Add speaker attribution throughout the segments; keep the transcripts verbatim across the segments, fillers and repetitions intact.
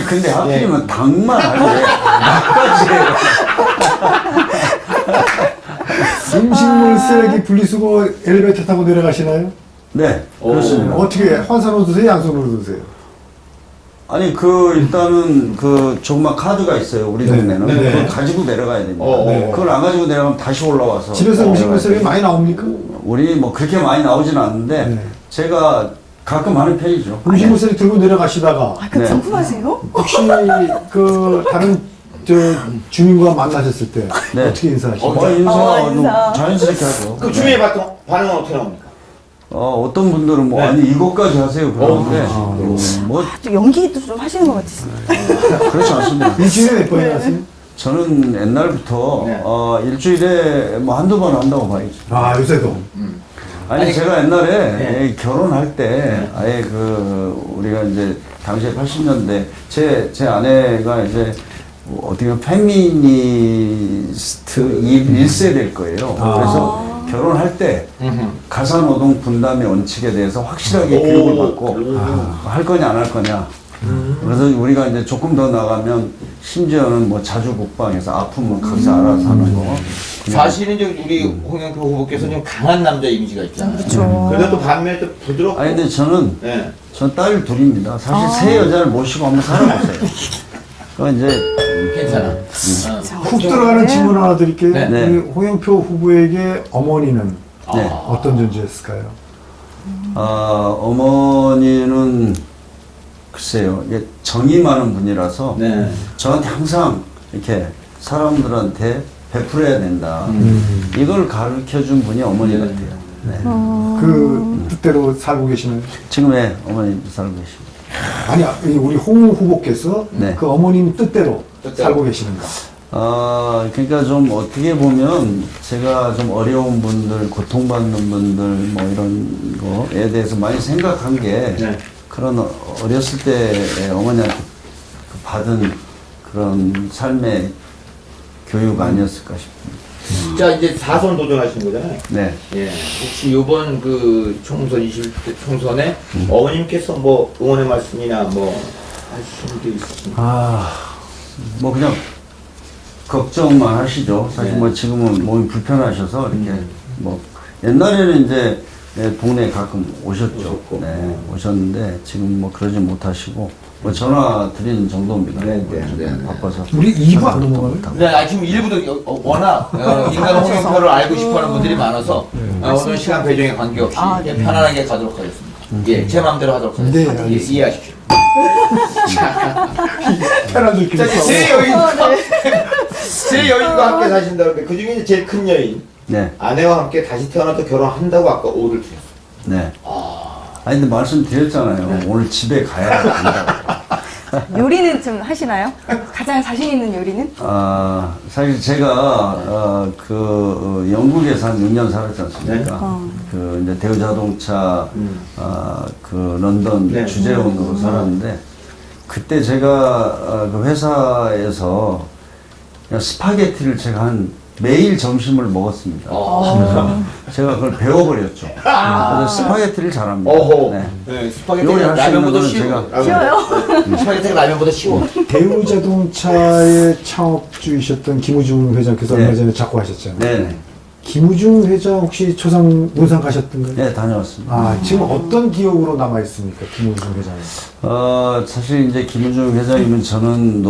Speaker 1: 아니 근데 하필이면 닭만 하래. 닭까지 해요.
Speaker 2: 음식물 쓰레기 분리수거 엘리베이터 타고 내려가시나요?
Speaker 1: 네, 그렇습니다.
Speaker 2: 어떻게 환산으로 드세요? 양손으로 드세요?
Speaker 1: 아니 그 일단은 그 조그만 카드가 있어요 우리
Speaker 2: 네.
Speaker 1: 동네는.
Speaker 2: 네.
Speaker 1: 그걸 가지고 내려가야 됩니다.
Speaker 3: 어,
Speaker 2: 네.
Speaker 1: 그걸 안 가지고 내려가면 다시 올라와서.
Speaker 2: 집에서 음식물 쓰레기 많이 나옵니까?
Speaker 1: 우리 뭐 그렇게 많이 나오진 않는데
Speaker 2: 네.
Speaker 1: 제가 가끔 하는 편이죠.
Speaker 2: 음식물 쓰레기 들고 내려가시다가
Speaker 4: 아, 그
Speaker 1: 네.
Speaker 4: 궁금하세요?
Speaker 2: 혹시 그 다른 저 주민과 만나셨을 때
Speaker 1: 네.
Speaker 2: 어떻게 인사하시나요?
Speaker 1: 어, 인사,
Speaker 4: 어, 인사.
Speaker 1: 자연스럽게 하죠.
Speaker 3: 그 주민의 반응, 반응은 어떻게 나옵니까?
Speaker 1: 어, 어떤 분들은 뭐,
Speaker 3: 네.
Speaker 1: 아니, 이것까지 하세요. 그러는데,
Speaker 2: 어,
Speaker 1: 음, 뭐,
Speaker 4: 좀 연기도 좀 하시는 것 같으신데.
Speaker 1: 그렇지 않습니다.
Speaker 2: 일주일에 몇 번이나 하세요?
Speaker 1: 저는 옛날부터,
Speaker 3: 네.
Speaker 1: 어, 일주일에 뭐 한두 번 한다고 봐야죠.
Speaker 2: 아 요새도
Speaker 1: 아니,
Speaker 3: 아니,
Speaker 1: 제가 옛날에
Speaker 3: 네.
Speaker 1: 예, 결혼할 때, 아예 그, 우리가 이제, 당시에 팔십 년대, 제, 제 아내가 이제, 뭐 어떻게 보면 페미니스트 일 세대일 거예요.
Speaker 2: 아.
Speaker 1: 그래서 결혼할 때, 가사노동 분담의 원칙에 대해서 확실하게
Speaker 3: 오.
Speaker 1: 교육을 받고,
Speaker 3: 오.
Speaker 1: 아, 할 거냐, 안 할 거냐. 그래서 우리가 이제 조금 더 나가면, 심지어는 뭐 자주 국방에서 아프면 거기서 알아서 하는 거. 그냥
Speaker 3: 사실은 이제 우리 홍영표 후보께서는 좀 강한 남자 이미지가 있잖아요.
Speaker 4: 그렇죠.
Speaker 3: 그래도 또 반면에 또 부드럽고.
Speaker 1: 아니, 근데 저는,
Speaker 3: 네.
Speaker 1: 전 딸 둘입니다. 사실 세 여자를 모시고 한번 살아보세요. 그 이제,
Speaker 3: 괜찮아.
Speaker 1: 음.
Speaker 3: 어.
Speaker 2: 훅 들어가는 질문 하나 드릴게요.
Speaker 3: 네.
Speaker 1: 네.
Speaker 2: 우리 홍영표 후보에게 어머니는
Speaker 1: 네.
Speaker 2: 어떤 존재였을까요?
Speaker 1: 아, 어머니는 글쎄요, 이게 정이 많은 분이라서
Speaker 3: 네.
Speaker 1: 저한테 항상 이렇게 사람들한테 베풀어야 된다.
Speaker 2: 음.
Speaker 1: 이걸 가르쳐 준 분이 어머니 같아요. 네.
Speaker 2: 그 뜻대로 살고 계시나요?
Speaker 1: 지금의 어머니 살고 계십니다.
Speaker 2: 아니 이 우리 홍 후보께서
Speaker 1: 네.
Speaker 2: 그 어머님 뜻대로,
Speaker 3: 뜻대로.
Speaker 2: 살고 계시는가?
Speaker 1: 아, 그러니까 좀 어떻게 보면 제가 좀 어려운 분들, 고통받는 분들 뭐 이런 거에 대해서 많이 생각한 게
Speaker 3: 네.
Speaker 1: 그런 어- 어렸을 때 어머니한테 받은 그런 삶의 교육 아니었을까 싶습니다.
Speaker 3: 자, 이제 사선 도전하신 거잖아요.
Speaker 1: 네.
Speaker 3: 예. 혹시 이번 그 총선 이십 대 총선에 어머님께서 뭐 응원의 말씀이나 뭐 하시는 게 있으신가요?
Speaker 1: 아, 뭐 그냥 걱정만 하시죠. 사실
Speaker 3: 네.
Speaker 1: 뭐 지금은 몸이 불편하셔서 이렇게 뭐 옛날에는 이제 예, 동네에 가끔 오셨죠.
Speaker 3: 오셨고.
Speaker 1: 네, 오셨는데 지금 뭐 그러지 못하시고 뭐 전화 드리는 정도입니다.
Speaker 3: 네,
Speaker 1: 뭐
Speaker 3: 네,
Speaker 1: 좀
Speaker 3: 네, 네.
Speaker 1: 바빠서.
Speaker 2: 우리 이 부 안
Speaker 1: 전화도
Speaker 2: 넘어가요?
Speaker 1: 못하고.
Speaker 3: 네, 아, 지금 일부도 여- 어, 워낙 어, 인간 홍영표를 알고 싶어하는 분들이 많아서 어, 오늘 시간 배정에 관계없이
Speaker 4: 아,
Speaker 3: 예, 편안하게 가도록 하겠습니다. 예, 제 마음대로 하도록
Speaker 2: 네,
Speaker 3: 하겠습니다. 예,
Speaker 2: 알겠습니다.
Speaker 3: 이해하십시오.
Speaker 2: 편한 느낌이
Speaker 3: 자,
Speaker 2: 있어.
Speaker 3: 제 여인과 제 여인과 함께 사신다는데 그 중에 제일 큰 여인
Speaker 1: 네,
Speaker 3: 아내와 함께 다시 태어나도 결혼한다고 아까 오를 드렸어요.
Speaker 1: 네. 아니 근데 말씀드렸잖아요. 오늘 집에 가야 된다고.
Speaker 4: 요리는 좀 하시나요? 가장 자신 있는 요리는?
Speaker 1: 아, 사실 제가, 어, 그, 어, 영국에서 한 육 년 살았지 않습니까?
Speaker 4: 어.
Speaker 1: 그, 이제 대우자동차,
Speaker 3: 음.
Speaker 1: 아, 그, 런던
Speaker 3: 네.
Speaker 1: 주재원으로 살았는데, 그때 제가, 어, 그 회사에서 그냥 스파게티를 제가 한 매일 점심을 먹었습니다.
Speaker 3: 어.
Speaker 1: 제가 그걸 배워버렸죠. 그래서 스파게티를 잘합니다.
Speaker 3: 어허.
Speaker 1: 네.
Speaker 3: 네, 스파게티가
Speaker 1: 요리할 수 있는
Speaker 3: 라면보다
Speaker 1: 거는
Speaker 3: 쉬워.
Speaker 1: 제가-
Speaker 3: 라면.
Speaker 4: 쉬워요?
Speaker 3: 스파게티가 라면보다 쉬워.
Speaker 2: 대우자동차의 창업주이셨던 김우중 회장께서
Speaker 1: 네.
Speaker 2: 얼마 전에 작고 하셨잖아요.
Speaker 1: 네네.
Speaker 2: 김우중 회장 혹시 초상 논산 가셨던가요?
Speaker 1: 네, 다녀왔습니다.
Speaker 2: 아 지금 어떤 기억으로 남아 있습니까, 김우중 회장?
Speaker 1: 어, 사실 이제 김우중 회장님은 저는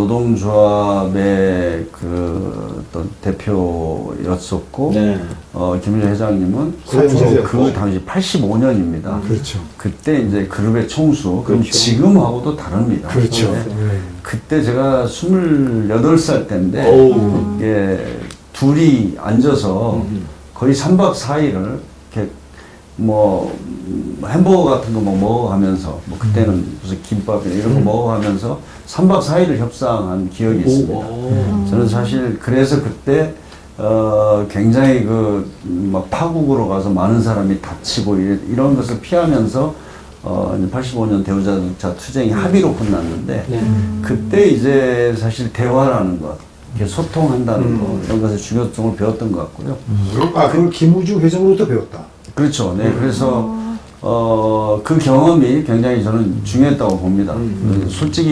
Speaker 1: 노동조합의 그 어떤 대표였었고,
Speaker 3: 네.
Speaker 1: 어, 김우중 회장님은
Speaker 2: 사주세요.
Speaker 1: 그 당시 팔십오 년입니다.
Speaker 2: 그렇죠.
Speaker 1: 그때 이제 그룹의 총수, 그럼
Speaker 3: 그렇죠.
Speaker 1: 지금하고도 다릅니다.
Speaker 2: 그렇죠.
Speaker 1: 네.
Speaker 2: 네.
Speaker 1: 그때 제가 스물여덟 살 때인데,
Speaker 3: 오.
Speaker 1: 이게 둘이 앉아서
Speaker 3: 음.
Speaker 1: 거의 삼 박 사 일을 이렇게 뭐 음, 햄버거 같은 거 뭐 먹어가면서 뭐 그때는 무슨 김밥 이런 거 먹어가면서 삼 박 사 일을 협상한 기억이 있습니다.
Speaker 3: 오.
Speaker 1: 저는 사실 그래서 그때 어 굉장히 그 막 파국으로 가서 많은 사람이 다치고 이- 이런 것을 피하면서 어 이제 팔십오 년 대우자동차 투쟁이 합의로 끝났는데
Speaker 3: 네.
Speaker 1: 그때 이제 사실 대화라는 것, 이렇게 소통한다는
Speaker 3: 음.
Speaker 1: 것 이런 것의 중요성을 배웠던 것 같고요.
Speaker 2: 아 그걸 김우중 회장으로부터 배웠다.
Speaker 1: 그렇죠. 네. 그래서, 어, 그 경험이 굉장히 저는 중요했다고 봅니다.
Speaker 3: 음.
Speaker 1: 솔직히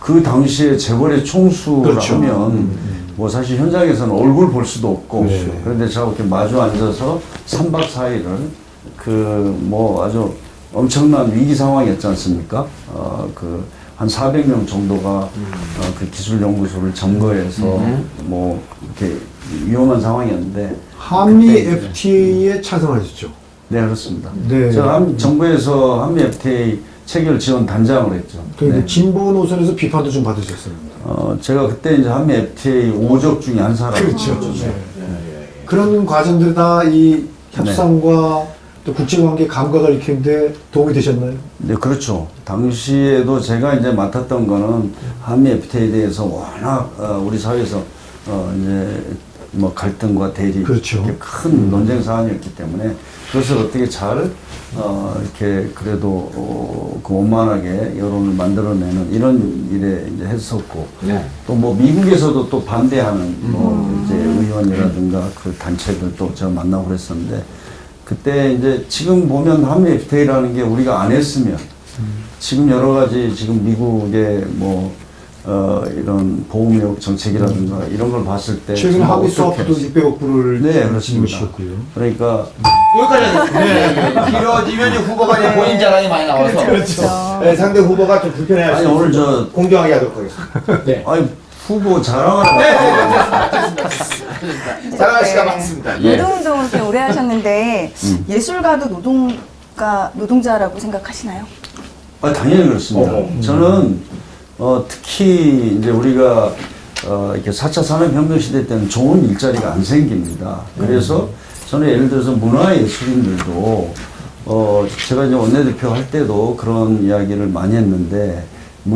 Speaker 1: 그 당시에 재벌의 총수를
Speaker 2: 그렇죠.
Speaker 1: 하면 뭐 사실 현장에서는 얼굴 볼 수도 없고
Speaker 2: 네.
Speaker 1: 그런데 저하고 이렇게 마주 앉아서 삼 박 사 일을 그 뭐 아주 엄청난 위기 상황이었지 않습니까? 어, 그 한 사백 명 정도가
Speaker 2: 음.
Speaker 1: 어, 그 기술연구소를 점거해서 뭐 이렇게 위험한 상황이었는데
Speaker 2: 한미
Speaker 1: 그때 이제-
Speaker 2: 에프티에이에 찬성하셨죠?
Speaker 1: 네 그렇습니다.
Speaker 2: 네.
Speaker 1: 제가 한, 정부에서 한미 에프티에이 체결 지원 단장을 했죠.
Speaker 2: 그러니까
Speaker 1: 네.
Speaker 2: 진보 노선에서 비판도 좀 받으셨습니다.
Speaker 1: 어, 제가 그때 이제 한미 에프티에이 오적 중에 한 사람.
Speaker 2: 그렇죠.
Speaker 1: 네.
Speaker 2: 네. 그런 과정들이 다 이 협상과 또 국제관계 감각을 익히는데 도움이 되셨나요?
Speaker 1: 네, 그렇죠. 당시에도 제가 이제 맡았던 거는 한미 에프티에이에 대해서 워낙 어, 우리 사회에서 어, 이제 뭐 갈등과 대립
Speaker 2: 그렇죠.
Speaker 1: 이렇게 큰 논쟁 사안이었기 때문에 그것을 어떻게 잘 어, 이렇게 그래도 어, 그 원만하게 여론을 만들어내는 이런 일에 이제 했었고
Speaker 3: 네.
Speaker 1: 또 뭐 미국에서도 또 반대하는 뭐 이제 의원이라든가 그 단체들도 제가 만나고 그랬었는데 그때 이제 지금 보면 한미 에프티에이라는 게 우리가 안 했으면 지금 여러 가지 지금 미국의 뭐 어, 이런 보호무역 정책이라든가 이런 걸 봤을 때
Speaker 2: 최근에
Speaker 1: 정말
Speaker 2: 한미
Speaker 1: 어떻게
Speaker 2: 수업도 육백억 불을
Speaker 1: 네, 그렇습니다.
Speaker 2: 지급하셨고요.
Speaker 1: 그러니까
Speaker 3: 여기까지 하겠습니다. 길어지면 이제 후보가 이제 본인 자랑이 많이 나와서
Speaker 4: 그렇죠.
Speaker 3: 네, 상대 후보가 좀 불편해할 수
Speaker 1: 아니, 오늘
Speaker 3: 있어서
Speaker 1: 저-
Speaker 3: 공정하게 하도록 하겠습니다. 네.
Speaker 1: 아니 후보 자랑하는
Speaker 3: 네, 네, 네. 자랑할 시간 많습니다. 예.
Speaker 4: 노동운동을 꽤 오래 하셨는데 예술가도 노동가 노동자라고 생각하시나요?
Speaker 1: 아, 당연히 그렇습니다.
Speaker 3: 어허.
Speaker 1: 저는 어, 특히 이제 우리가 어, 이렇게 사 차 산업혁명 시대 때는 좋은 일자리가 안 생깁니다. 그래서 저는 예를 들어서 문화예술인들도 어, 제가 이제 원내대표 할 때도 그런 이야기를 많이 했는데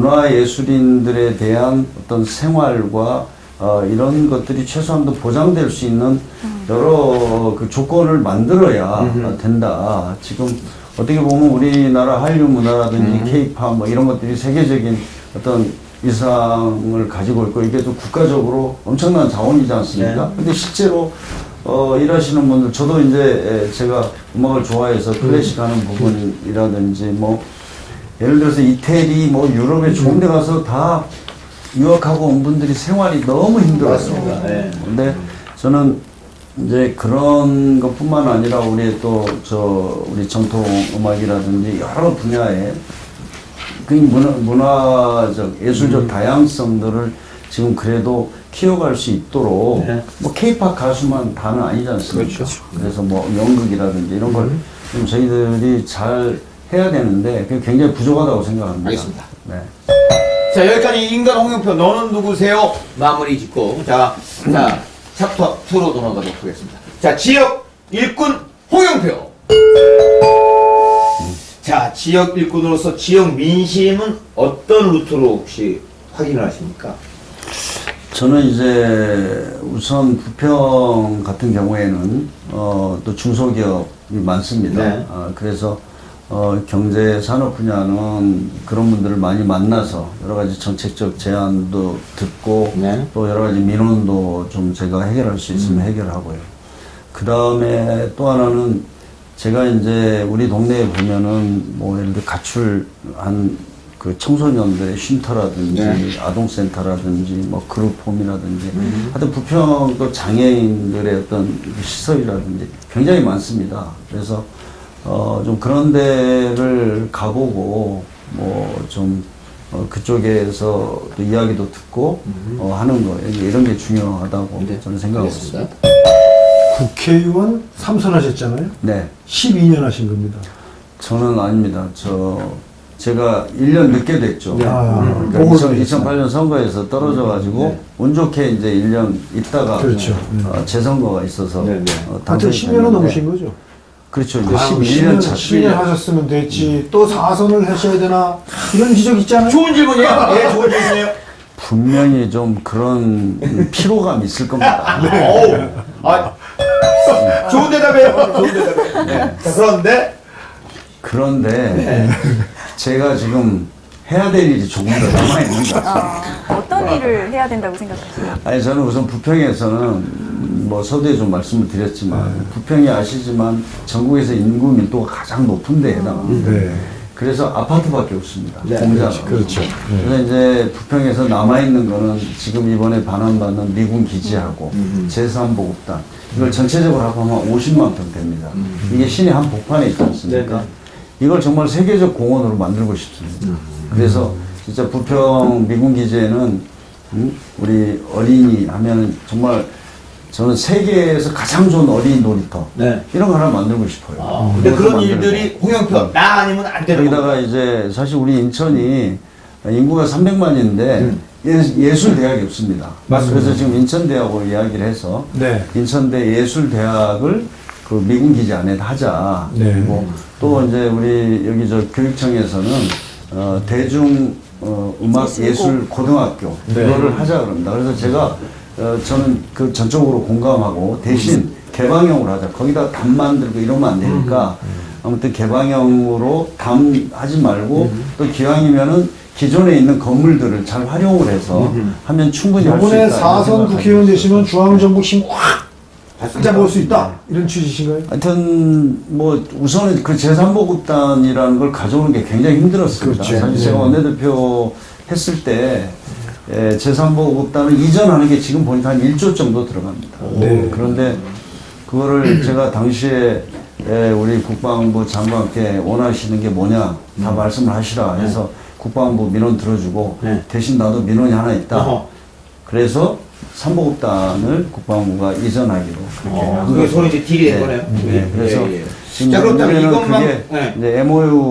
Speaker 1: 문화예술인들에 대한 어떤 생활과 어, 이런 것들이 최소한도 보장될 수 있는 여러 그 조건을 만들어야 된다. 지금 어떻게 보면 우리나라 한류 문화라든지 케이팝 뭐 이런 것들이 세계적인 어떤 위상을 가지고 있고 이게 또 국가적으로 엄청난 자원이지 않습니까?
Speaker 3: 네.
Speaker 1: 근데 실제로 어, 일하시는 분들, 저도 이제 제가 음악을 좋아해서 클래식 하는 부분이라든지 뭐 예를 들어서 이태리 뭐 유럽에 좋은 데 가서 다 유학하고 온 분들이 생활이 너무 힘들어요.
Speaker 3: 맞습니다. 네.
Speaker 1: 근데 저는 이제 그런 것뿐만 아니라 우리 또 저 우리 전통 음악이라든지 여러 분야에 그 문화, 문화적 예술적 다양성들을 지금 그래도 키워갈 수 있도록
Speaker 3: 네.
Speaker 1: 뭐 케이팝 가수만 다는 아니지 않습니까? 그래서 뭐 연극이라든지 이런 걸 좀 저희들이 잘 해야 되는데 그게 굉장히 부족하다고 생각합니다.
Speaker 3: 알겠습니다.
Speaker 1: 네.
Speaker 3: 자, 여기까지 인간 홍영표 너는 누구세요? 마무리 짓고 자, 자 챕터 이로 넘어가도록 하겠습니다. 자, 지역 일꾼 홍영표. 자, 지역 일꾼으로서 지역 민심은 어떤 루트로 혹시 확인을 하십니까?
Speaker 1: 저는 이제 우선 부평 같은 경우에는 어, 또 중소기업이 많습니다.
Speaker 3: 네.
Speaker 1: 아, 그래서 어, 경제 산업 분야는 그런 분들을 많이 만나서 여러 가지 정책적 제안도 듣고
Speaker 3: 네.
Speaker 1: 또 여러 가지 민원도 좀 제가 해결할 수 있으면 해결하고요. 그 다음에 또 하나는 제가 이제 우리 동네에 보면은 뭐 예를 들어 가출한 그 청소년들의 쉼터라든지
Speaker 3: 네.
Speaker 1: 아동센터라든지 뭐 그룹홈이라든지 하여튼 부평 또 장애인들의 어떤 시설이라든지 굉장히 많습니다. 그래서 어 좀 그런 데를 가보고 뭐 좀 어 그쪽에서 또 이야기도 듣고 어 하는 거 이런 게 중요하다고
Speaker 3: 네.
Speaker 1: 저는 생각하고
Speaker 3: 알겠습니다.
Speaker 1: 있습니다.
Speaker 2: 국회의원 삼 선 하셨잖아요.
Speaker 1: 네.
Speaker 2: 십이 년 하신 겁니다.
Speaker 1: 저는 아닙니다. 저 제가 일 년 늦게 됐죠.
Speaker 2: 네. 아,
Speaker 1: 어,
Speaker 2: 보궐
Speaker 1: 그러니까
Speaker 2: 선거
Speaker 1: 이천팔 년 선거에서 떨어져가지고
Speaker 3: 네.
Speaker 1: 운 좋게 이제 일 년 있다가
Speaker 2: 그렇죠.
Speaker 1: 어, 재선거가 있어서
Speaker 3: 네, 네.
Speaker 1: 어,
Speaker 2: 하여튼
Speaker 1: 당선이
Speaker 2: 십 년은
Speaker 1: 됐는데
Speaker 2: 넘으신 거죠?
Speaker 1: 그렇죠. 이제
Speaker 2: 아유,
Speaker 1: 십일 년 차.
Speaker 2: 십이 년 하셨으면 됐지. 또 사 선을 하셔야 되나? 이런 지적 있잖아요.
Speaker 3: 좋은 질문이에요. 예, 좋은 질문이에요.
Speaker 1: 분명히 좀 그런 피로감이 있을 겁니다.
Speaker 3: 네. 어우, 아, 좋은 대답이에요. 좋은 대답이에요. 네. 자, 그런데
Speaker 1: 그런데 제가 지금 해야 될 일이 조금 더 남아있는 것 같아요.
Speaker 4: 어, 어떤 일을 해야 된다고 생각하세요?
Speaker 1: 아니 저는 우선 부평에서는 뭐 서두에 좀 말씀을 드렸지만 부평이 아시지만 전국에서 인구 밀도가 가장 높은 데 해당합니다.
Speaker 2: 네.
Speaker 1: 그래서 아파트밖에 없습니다.
Speaker 3: 네,
Speaker 1: 공장.
Speaker 2: 그렇죠. 그렇죠.
Speaker 1: 그래서 이제 부평에서 남아있는 거는 지금 이번에 반환받는 미군 기지하고 제삼 보급단. 이걸 전체적으로 합하면 오십만 평 됩니다. 이게 시내 한 복판에 있지 않습니까?
Speaker 3: 네네.
Speaker 1: 이걸 정말 세계적 공원으로 만들고 싶습니다. 그래서 진짜 부평 미군 기지에는 음? 우리 어린이 하면은 정말 저는 세계에서 가장 좋은 어린이 놀이터
Speaker 3: 네.
Speaker 1: 이런 거 하나 만들고 싶어요.
Speaker 3: 아, 근데
Speaker 1: 그것도
Speaker 3: 그런
Speaker 1: 만들고.
Speaker 3: 일들이 홍영표 나 아니면 안 되는
Speaker 1: 여기다가
Speaker 3: 거예요.
Speaker 1: 이제 사실 우리 인천이 인구가 삼백만인데
Speaker 3: 음.
Speaker 1: 예, 예술 대학이 없습니다.
Speaker 3: 맞습니다.
Speaker 1: 그래서 지금 인천대하고 이야기를 해서
Speaker 2: 네.
Speaker 1: 인천대 예술대학을 그 미군 기지 안에 하자.
Speaker 2: 네.
Speaker 1: 그리고 또 이제 우리 여기 저 교육청에서는 어, 대중 어, 음악
Speaker 4: 예술고.
Speaker 1: 예술 고등학교
Speaker 2: 네.
Speaker 1: 그거를 하자 그럽니다. 그래서 제가 어, 저는 그 전적으로 공감하고 대신 개방형으로 하자. 거기다 담 만들고 이러면 안 되니까 아무튼 개방형으로 담 하지 말고 또 기왕이면은 기존에 있는 건물들을 잘 활용을 해서 하면 충분히 할 수 있다.
Speaker 2: 이번에
Speaker 1: 이런
Speaker 2: 사선
Speaker 1: 생각하고
Speaker 2: 국회의원 되시면
Speaker 1: 있습니다.
Speaker 2: 중앙정부 힘확 잡아볼 수 있다. 이런 취지신가요?
Speaker 1: 하여튼 뭐 우선은 그 제삼 보급단이라는 걸 가져오는 게 굉장히 힘들었습니다.
Speaker 2: 그렇죠.
Speaker 1: 사실
Speaker 2: 네.
Speaker 1: 제가 원내대표 했을 때 예, 제삼 보급단을 이전하는 게 지금 보니까 한 일조 정도 들어갑니다.
Speaker 2: 네.
Speaker 1: 그런데 그거를 제가 당시에 예, 우리 국방부 장관께 원하시는 게 뭐냐 다 말씀을 하시라 해서 국방부 민원 들어주고
Speaker 3: 네.
Speaker 1: 대신 나도 민원이 하나 있다.
Speaker 3: 어허.
Speaker 1: 그래서 삼보급단을 국방부가 이전하기로 그렇게
Speaker 3: 어,
Speaker 1: 한
Speaker 3: 그게
Speaker 1: 거죠.
Speaker 3: 서로 이제 딜이 된
Speaker 1: 네.
Speaker 3: 거네요.
Speaker 1: 네, 그래서
Speaker 3: 예, 예.
Speaker 1: 지금
Speaker 3: 자, 그렇다면
Speaker 1: 내년에는
Speaker 3: 이것만-
Speaker 1: 그게
Speaker 3: 네.
Speaker 1: 이제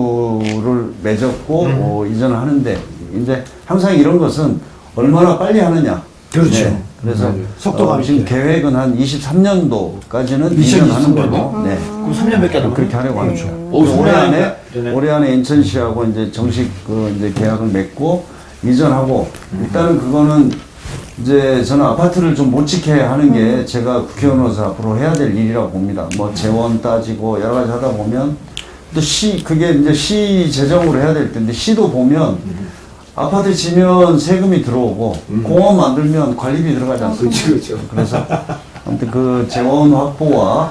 Speaker 1: 엠오유를 맺었고
Speaker 3: 음.
Speaker 1: 어, 이전을 하는데 이제 항상 이런 것은 얼마나 빨리 하느냐.
Speaker 2: 그렇죠.
Speaker 1: 그래서
Speaker 2: 맞아요. 속도가
Speaker 1: 어, 지금
Speaker 2: 있게.
Speaker 1: 계획은 한 이십삼 년도까지는
Speaker 2: 이천이십삼
Speaker 1: 이전하는
Speaker 2: 년도?
Speaker 1: 걸로. 네.
Speaker 3: 그럼 삼 년밖에 안 남았네.
Speaker 1: 그렇게 하려고 하죠.
Speaker 3: 오,
Speaker 1: 올해
Speaker 3: 삼 년
Speaker 1: 안에
Speaker 3: 전에.
Speaker 1: 올해 안에 인천시하고 이제 정식 그 이제 계약을 맺고 이전하고 일단은 그거는 이제 저는 아파트를 좀 못 지게 하는 게 제가 국회의원으로서 앞으로 해야 될 일이라고 봅니다. 뭐 재원 따지고 여러 가지 하다 보면 또 시 그게 이제 시 재정으로 해야 될 텐데 시도 보면 아파트 지면 세금이 들어오고 공원 만들면 관리비 들어가지 않습니까?
Speaker 3: 그렇죠, 그렇죠.
Speaker 1: 그래서 아무튼 그 재원 확보와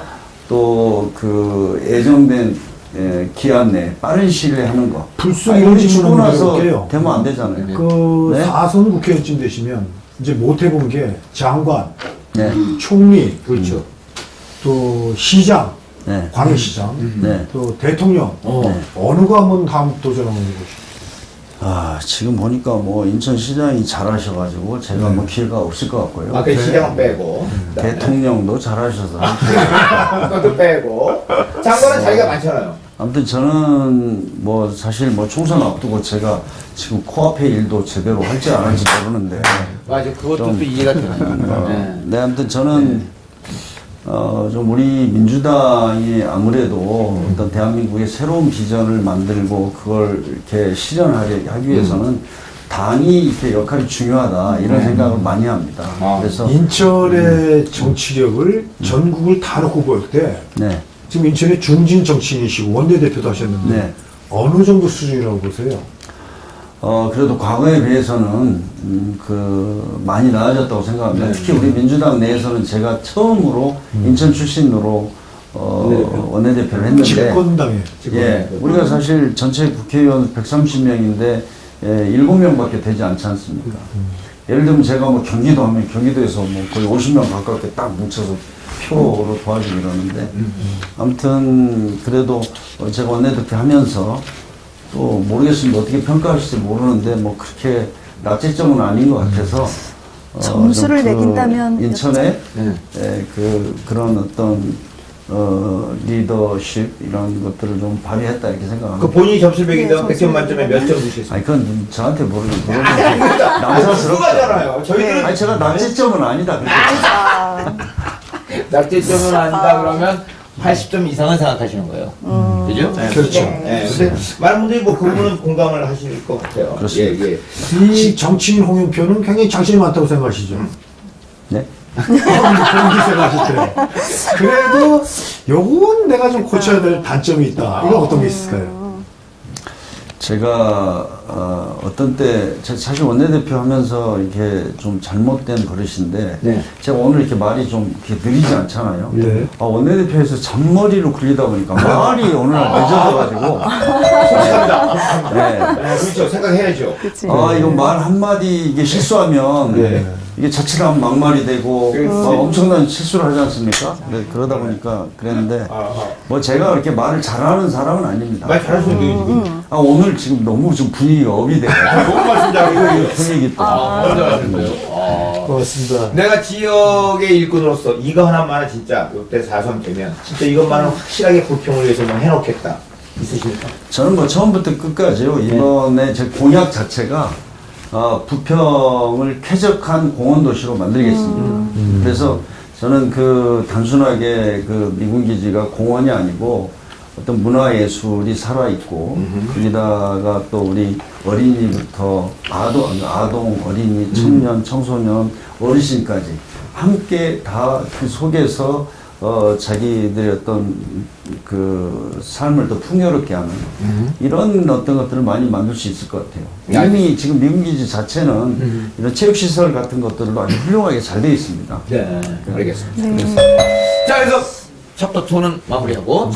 Speaker 1: 또 그 예정된 예, 기한 내에 빠른 시일에 하는 거.
Speaker 2: 불쑥
Speaker 1: 아니,
Speaker 2: 이런
Speaker 1: 우리
Speaker 2: 질문
Speaker 1: 죽고
Speaker 2: 한번
Speaker 1: 나서
Speaker 2: 해볼게요.
Speaker 1: 되면 안 되잖아요.
Speaker 2: 그
Speaker 1: 네?
Speaker 2: 사선 국회의원쯤 되시면 이제 못 해본 게 장관,
Speaker 1: 네.
Speaker 2: 총리,
Speaker 3: 그렇죠.
Speaker 2: 또 시장,
Speaker 1: 네.
Speaker 2: 광역시장,
Speaker 1: 네.
Speaker 2: 또 대통령
Speaker 3: 어.
Speaker 1: 네.
Speaker 2: 어느 거 한번 다음 도전하는 것이
Speaker 1: 아, 지금 보니까 뭐 인천시장이 잘하셔가지고 제가 뭐 기회가 없을 것 같고요.
Speaker 3: 아까 시장은 빼고.
Speaker 1: 대통령도 잘하셔서.
Speaker 3: 그것도 빼고. 장관은 자기가 많잖아요.
Speaker 1: 아무튼 저는 뭐 사실 뭐 총선 앞두고 제가 지금 코앞의 일도 제대로 할지 안 할지 모르는데.
Speaker 3: 맞아, 그것도
Speaker 1: 좀,
Speaker 3: 또 이해가 되나요?
Speaker 1: 어,
Speaker 3: 네.
Speaker 1: 네, 아무튼 저는 어, 좀 우리 민주당이 아무래도 어떤 대한민국의 새로운 비전을 만들고 그걸 이렇게 실현하려 하기 위해서는 당이 이렇게 역할이 중요하다 이런 생각을 많이 합니다.
Speaker 3: 아.
Speaker 1: 그래서
Speaker 2: 인천의 정치력을 전국을 다 놓고 볼 때
Speaker 1: 네,
Speaker 2: 지금 인천의 중진 정치인이시고 원내대표도 하셨는데
Speaker 1: 네.
Speaker 2: 어느 정도 수준이라고 보세요?
Speaker 1: 어, 그래도 과거에 비해서는, 음, 그, 많이 나아졌다고 생각합니다. 특히 우리 민주당 내에서는 제가 처음으로 인천 출신으로, 어, 원내대표를 했는데.
Speaker 2: 집권당에 지금
Speaker 1: 예, 우리가 사실 전체 국회의원 백삼십 명인데, 예, 일곱 명밖에 되지 않지 않습니까? 예를 들면 제가 뭐 경기도 하면 경기도에서 뭐 거의 오십 명 가깝게 딱 뭉쳐서 표로 도와주고 이러는데, 아무튼, 그래도 제가 원내대표 하면서, 또 모르겠습니다. 어떻게 평가하실지 모르는데 뭐 그렇게 낙제점은 아닌 것 같아서 어,
Speaker 4: 점수를
Speaker 1: 좀 그
Speaker 4: 매긴다면
Speaker 1: 인천의
Speaker 3: 네.
Speaker 1: 에, 그 그런 어떤 어, 리더십 이런 것들을 좀 발휘했다 이렇게
Speaker 3: 그
Speaker 1: 생각합니다.
Speaker 3: 본인이 점수를 매긴다면
Speaker 4: 네,
Speaker 3: 백 점
Speaker 4: 점수를
Speaker 3: 만점에 몇 점 주시겠어요?
Speaker 1: 아니 그건 저한테 모르는 거예요.
Speaker 3: 누가잖아요.
Speaker 1: 남사스럽죠.
Speaker 3: 저희들은
Speaker 1: 아니 제가 낙제점은 아니다. 그렇게.
Speaker 4: 아,
Speaker 3: 낙제점은 아니다 그러면 팔십 점 이상은 생각하시는 거예요. 그죠? 네,
Speaker 2: 그렇죠.
Speaker 3: 네. 근데 많은 분들이 뭐 그 부분은 공감을 하실 것 같아요.
Speaker 1: 그렇습니다.
Speaker 3: 예, 예.
Speaker 2: 이 정치인 홍영표는 굉장히 장점이 많다고 생각하시죠?
Speaker 1: 네.
Speaker 2: 그렇게 생각하시더래요. 그래도 요건 내가 좀 고쳐야 될 단점이 있다. 이건 어떤 게 있을까요?
Speaker 1: 제가 어, 어떤 때 제- 사실 원내대표 하면서 이렇게 좀 잘못된 버릇인데
Speaker 3: 네.
Speaker 1: 제가 오늘 이렇게 말이 좀 이렇게 느리지 않잖아요.
Speaker 2: 네.
Speaker 1: 아, 원내대표에서 잔머리로 굴리다 보니까 말이 오늘 늦어져가지고
Speaker 3: 솔직합니다.
Speaker 1: 네.
Speaker 3: 네, 그렇죠. 생각해야죠.
Speaker 4: 그치.
Speaker 1: 아 이거 말 한마디 이게 실수하면
Speaker 3: 네.
Speaker 1: 이게 자칫하면 막말이 되고
Speaker 3: 그렇지.
Speaker 1: 어, 엄청난 실수를 하지 않습니까? 네, 그러다 보니까 그랬는데
Speaker 3: 아, 아.
Speaker 1: 뭐 제가 그렇게 말을 잘하는 사람은 아닙니다.
Speaker 3: 말 잘하시는 분이 지금.
Speaker 1: 아 오늘 지금 너무 좀 분위기가 업이 돼가지고
Speaker 3: 너무 말씀 잘하시고.
Speaker 1: 분위기 또
Speaker 3: 아, 너무 잘하시는 거예요. 아.
Speaker 2: 고맙습니다.
Speaker 3: 내가 지역의 일꾼으로서 이거 하나만 진짜 이때 사선 되면 진짜 이것만은 확실하게 불평을 위해서 뭐 해놓겠다. 있으십니까?
Speaker 1: 저는 뭐 처음부터 끝까지요. 이번에 제 공약 자체가 어, 부평을 쾌적한 공원 도시로 만들겠습니다. 그래서 저는 그 단순하게 그 미군 기지가 공원이 아니고 어떤 문화예술이 살아있고 거기다가 또 우리 어린이부터 아동, 아동, 어린이, 청년, 청소년, 어르신까지 함께 다 그 속에서 어, 자기들의 어떤 그 삶을 더 풍요롭게 하는 이런 어떤 것들을 많이 만들 수 있을 것 같아요.
Speaker 3: 네,
Speaker 1: 이미 지금 미군기지 자체는 이런 체육시설 같은 것들로 아주 훌륭하게 잘 되어 있습니다.
Speaker 3: 네, 알겠습니다.
Speaker 4: 네.
Speaker 3: 자, 그래서 챕터 이는 마무리하고